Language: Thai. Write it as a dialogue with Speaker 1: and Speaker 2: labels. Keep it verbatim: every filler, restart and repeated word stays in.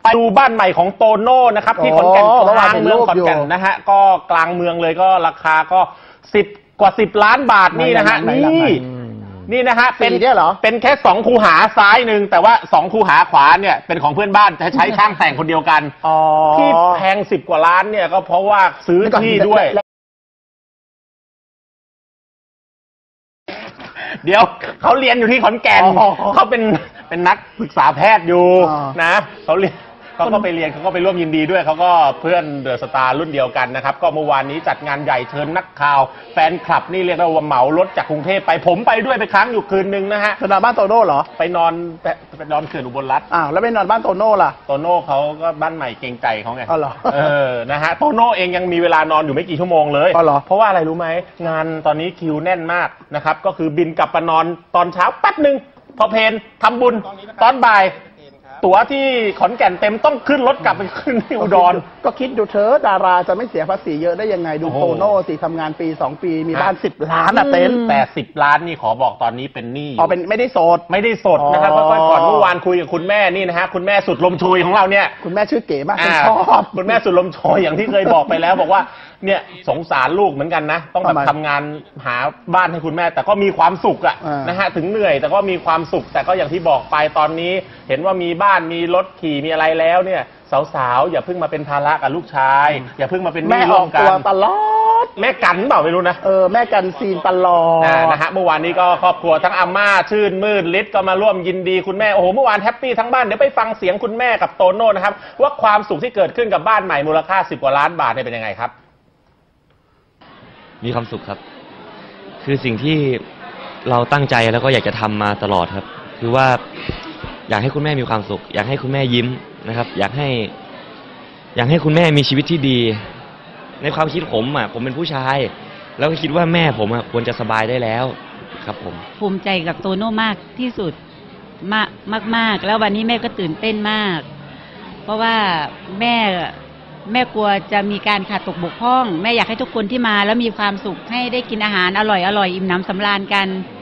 Speaker 1: ดูบ้านใหม่ของโตโน่นะครับที่ขอนแก่นกลางเมืองขอนแก่นนะฮะก็กลางเมืองเลยก็ราคาก็สิบกว่าสิบล้านบาทนี่นะฮะนี่นี่นะฮะเป็นเป็นแค่สองคูหาซ้ายหนึ่งแต่ว่าสองคูหาขวาเนี่ยเป็นของเพื่อนบ้านจะใช้ช่างแต่งคนเดียวกันที่แพงสิบกว่าล้านเนี่ยก็เพราะว่าซื้อที่ด้วยเดี๋ยวเขาเรียนอยู่ที่ขอนแก่นเขาเป็นเป็นนักศึกษาแพทย์อยู่นะเขาเรียนเขาก็ไปเรียนเขาก็ไปร่วมยินดีด้วยเขาก็เพื่อนเดอะสตาร์รุ่นเดียวกันนะครับก็เมื่อวานนี้จัดงานใหญ่เชิญนักข่าวแฟนคลับนี่เรียกว่าเหมารถจากกรุงเทพไปผมไปด้วยไปค้างอยู่คืนนึงนะฮะ
Speaker 2: สนามบ้านโตโน่เหรอ
Speaker 1: ไปนอนไปนอนเขื่อนอุบลรัตน์
Speaker 2: อ้าวแล้วไปนอนบ้านโตโน่ล่ะ
Speaker 1: โตโน่เขาก็บ้านใหม่เกรงใจเขาไง
Speaker 2: อ๋อเหรอ
Speaker 1: เออนะฮะโตโน่เองยังมีเวลานอนอยู่ไม่กี่ชั่วโมงเลย
Speaker 2: อ๋อเหรอ
Speaker 1: เพราะว่าอะไรรู้ไหมงานตอนนี้คิวแน่นมากนะครับก็คือบินกลับมานอนตอนเช้าแป๊บนึงพอเพลนทำบุญตอนบ่ายตั๋วที่ขอนแก่นเต็มต้องขึ้นรถกลับไปขึ้นที่อุดร
Speaker 2: ก็คิดดูเธอดาราจะไม่เสียภาษีเยอะได้ยังไงดูโตโน่สิทำงานปีสองปีมีบ้านสิบล้านอะเต็น
Speaker 1: แต่สิบล้านนี่ขอบอกตอนนี้เป็นหนี้
Speaker 2: อ๋อเป็นไม่ได้สด
Speaker 1: ไม่ได้สดนะครับเพราะก่อนเมื่อวานคุยกับคุณแม่นี่นะฮะคุณแม่สุดลมโชยของเราเนี่ย
Speaker 2: คุณแม่ชื่อเก๋มาก
Speaker 1: ชอบคุณแม่สุดลมโชยอย่างที่เคยบอกไปแล้วบอกว่าเนี่ยสงสารลูกเหมือนกันนะต้องแบบทำงานหาบ้านให้คุณแม่แต่ก็มีความสุขอะนะฮะถึงเหนื่อยแต่ก็มีความสุขแต่ก็อย่างที่บอกไปตอนนี้เห็นว่ามีบ้านมีรถขี่มีอะไรแล้วเนี่ยสาวๆอย่าเพิ่งมาเป็นภาระกับลูกชายอย่าเพิ่งมาเป็น
Speaker 2: แม่ร่วมกันตลอด
Speaker 1: แม่กันเปล่าไม่รู้นะ
Speaker 2: เออแม่กันซีนตลอด
Speaker 1: นะฮะเมื่อวานนี้ก็ครอบครัวทั้งอาม่าชื่นมื่นฤทธิ์ก็มาร่วมยินดีคุณแม่โอ้โหเมื่อวานแฮปปี้ทั้งบ้านเดี๋ยวไปฟังเสียงคุณแม่กับโตโน่นะครับว่าความสุขที่เกิดขึ้นกับบ้านใหม่มูลค่าสิบกว่าล้านบาทเนี่ยเป็นยังไงครับ
Speaker 3: มีความสุขครับคือสิ่งที่เราตั้งใจแล้วก็อยากจะทำมาตลอดครับคือว่าอยากให้คุณแม่มีความสุขอยากให้คุณแม่ยิ้มนะครับอยากให้อยากให้คุณแม่มีชีวิตที่ดีในความคิดผมอ่ะผมเป็นผู้ชายแล้วก็คิดว่าแม่ผมอ่ะควรจะสบายได้แล้วครับผม
Speaker 4: ภูมิใจกับโตโน่มากที่สุดมากมากมากแล้ววันนี้แม่ก็ตื่นเต้นมากเพราะว่าแม่แม่กลัวจะมีการขาดตกบกพร่องแม่อยากให้ทุกคนที่มาแล้วมีความสุขให้ได้กินอาหารอร่อยอร่อยอิ่มหนำสำราญกัน